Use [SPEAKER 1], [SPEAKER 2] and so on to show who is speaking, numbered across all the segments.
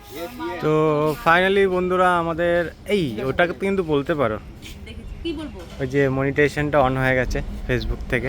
[SPEAKER 1] তো ফাইনালি বন্ধুরা আমাদের এই ওটাকে কিন্তু বলতে পারো,
[SPEAKER 2] কি বলবো,
[SPEAKER 1] ওই যে মনিটাইজেশনটা অন হয়ে গেছে ফেসবুক থেকে।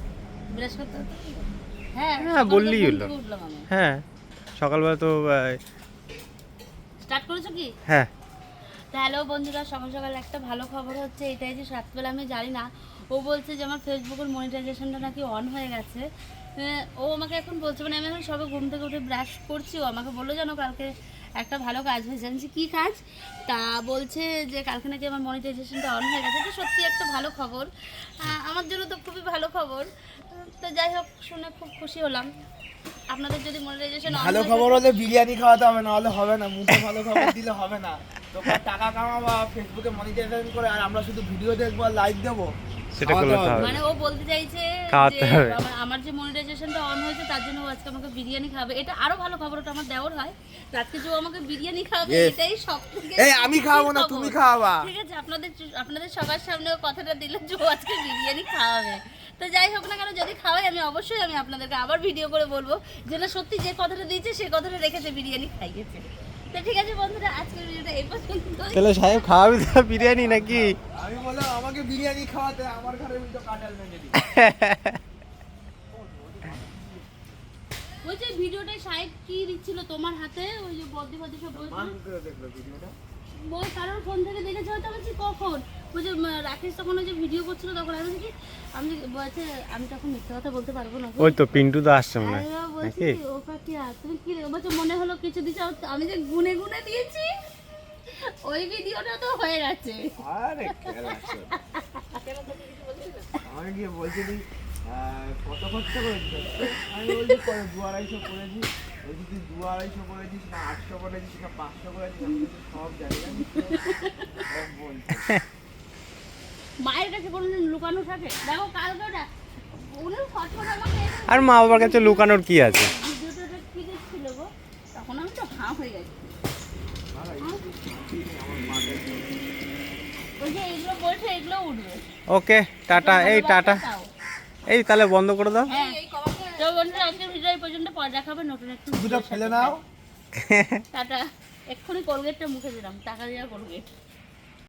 [SPEAKER 2] হ্যাঁ
[SPEAKER 1] হ্যাঁ বললেই হলো। হ্যাঁ সকালবেলা তো
[SPEAKER 2] স্টার্ট করেছো কি?
[SPEAKER 1] হ্যাঁ।
[SPEAKER 2] তো হ্যালো বন্ধুরা, সকাল সকাল একটা ভালো খবর হচ্ছে এটাই যে রাতবেলা আমি জানি না, ও বলছে যে আমার ফেসবুকের মনিটাইজেশনটা নাকি অন হয়ে গেছে। ও আমাকে এখন বলছে, মানে আমি এখন সবে ঘুম থেকে উঠে ব্রাশ করছি, ও আমাকে বললো জানো কালকে একটা ভালো কাজ হয়েছে। আমি কী কাজ? তা বলছে যে কালকে নাকি আমার মনিটাইজেশনটা অন হয়ে গেছে। তো সত্যি একটা ভালো খবর, আমার জন্য তো খুবই ভালো খবর। তো যাই হোক, শুনে খুব খুশি হলাম। আপনাদের যদি মনিটাইজেশন
[SPEAKER 3] ভালো খবর হলে বিরিয়ানি খাওয়াতে হবে, না হলে হবে না। মুখে ভালো খবর দিলে হবে না। তোমরা টাকা কামাবা ফেসবুকে মনিটাইজেশন করে, আর আমরা শুধু ভিডিও দেখবো আর লাইক দেবো,
[SPEAKER 1] সেটা করলে তো হবে।
[SPEAKER 2] মানে ও বলতে চাইছে
[SPEAKER 1] খাওয়াতে
[SPEAKER 2] যে
[SPEAKER 1] হবে।
[SPEAKER 2] আমার যে মনিটাইজেশনটা অন হয়েছে তার জন্য ও আজকে আমাকে বিরিয়ানি খাবে। এটা আরো ভালো খবর, ওটা আমার দেওর হয়। তো আজকে যে ও আমাকে বিরিয়ানি খাবে,
[SPEAKER 3] Yes.
[SPEAKER 2] এটাই সবথেকে
[SPEAKER 3] এই আমি খাওয়াবো না,
[SPEAKER 2] খুশির
[SPEAKER 3] তুমি
[SPEAKER 2] খবর।
[SPEAKER 3] খাওয়াবা।
[SPEAKER 2] ঠিক আছে, আপনাদের সবার সামনে ও কথাটা দিল যে ও আজকে বিরিয়ানি খাওয়াবে। তো যাই হোক না কেন, যদি খাওয়াই আমি অবশ্যই আপনাদেরকে আবার ভিডিও করে বলবো যে না, সত্যি যে কথাটা দিয়েছে সেই কথাটা রেখেছে, বিরিয়ানি খাইয়েছে। তো ঠিক আছে বন্ধুরা, আজকের ভিডিওটা এই পর্যন্ত।
[SPEAKER 1] তাহলে সাহেব খাওয়াবি তো বিরিয়ানি নাকি?
[SPEAKER 3] আমি বললাম আমাকে বিরিয়ানি খাওয়াতে, আমার ঘরে উল্টো কাঁঠাল ভেঙে দিই।
[SPEAKER 2] ওই যে ভিডিওটাই সাহেব কি দিচ্ছিল তোমার হাতে, ওই যে বদ্দি সব বলছিল।
[SPEAKER 3] মা কি করে দেখলো ভিডিওটা?
[SPEAKER 2] বল কারোর ফোন থেকে দেখেছে হয়তো। আমি বলছি কখন? ওই যে রাকেশ তখন ওই যে ভিডিও করছিল তখন আমি বলছি কি, আমি বলছে আমি তখন মিথ্যা কথা বলতে পারবো না।
[SPEAKER 1] ওই তো পিন্টু তো আসছে মনে হয়
[SPEAKER 2] আমি বলছি
[SPEAKER 1] নাকি?
[SPEAKER 2] ও কাকিয়া তুমি কি রে? ও বলছে মনে হলো কিছু দিছো, আমি যে গুনে গুনে দিয়েছি ওই ভিডিওটা তো হয়ে গেছে।
[SPEAKER 3] আরে খেলা আছে। আমাকে গিয়ে বলছে তুই কত খরচা করেছিস? আমি বলছি 2-250 করেছি। বলছি তুই 2-250 করেছিস না 800 করেছিস না 500 করেছিস? আমি বলছি সব জানি না। সব বলছি।
[SPEAKER 2] মায়ের কাছে কোনোদিন লুকানো থাকে? দেখো কালকে ওটা উনি ফটফট আমাকে
[SPEAKER 1] আর মা বাবার কাছে লুকানোর কি আছে?
[SPEAKER 2] ভিডিওটা কি দিচ্ছিল গো, তখন আমি তো হাঁ হয়ে গেছি। ওই যে এগুলো বলছে এগুলো উঠবে।
[SPEAKER 1] Okay tata. এই টাটা।
[SPEAKER 2] তাও।
[SPEAKER 1] এই তাহলে বন্ধ করে দাও।
[SPEAKER 2] হ্যাঁ, তো বন্ধুরা আজকের ভিডিও এই পর্যন্ত, পরে দেখাবে নতুন একটা
[SPEAKER 3] দুটো
[SPEAKER 2] ভিডিওর
[SPEAKER 3] ফেলে
[SPEAKER 2] সাথে।
[SPEAKER 3] নাও।
[SPEAKER 2] টাটা। এক্ষুনি কোলগেটটা মুখে দিলাম, টাকা দেওয়া কোলগেট।